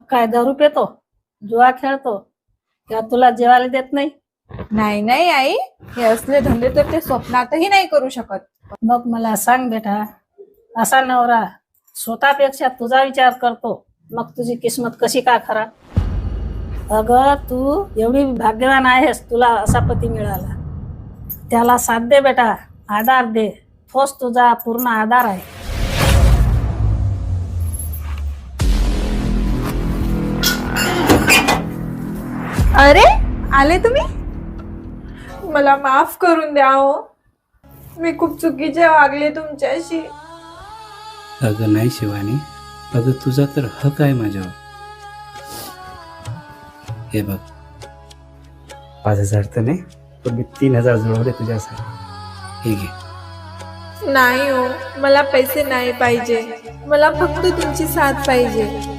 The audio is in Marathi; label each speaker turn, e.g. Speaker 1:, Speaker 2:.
Speaker 1: काय दारू पितो, जुआ खेळतो, किंवा तुला जेवायला देत नाही?
Speaker 2: नाही नाही आई, हे असले धंदे तर ते स्वप्नातही नाही करू शकत.
Speaker 1: मग मला सांग बेटा, असा नवरा स्वतःपेक्षा तुझा विचार करतो, मग तुझी किस्मत कशी काय खराब? अगं तू एवढी भाग्यवान आहेस, तुला असा पती मिळाला. त्याला साथ दे बेटा, आधार दे, तोच तुझा पूर्ण आधार आहे.
Speaker 2: अरे, आले तुम्ही? मला माफ करून द्या हो, मी खूप चुकीचे वागले तुमच्याशी.
Speaker 3: अगं नाही शिवानी, अगं तुझा तर हक आहे माझ्यावर. हे बघ, 5,000 तर नाही, पण मी 3,000 जुळवले तुझ्यासाठी. हे घे.
Speaker 2: नाही हो, मला पैसे नाही पाहिजे, मला फक्त तुमची साथ पाहिजे.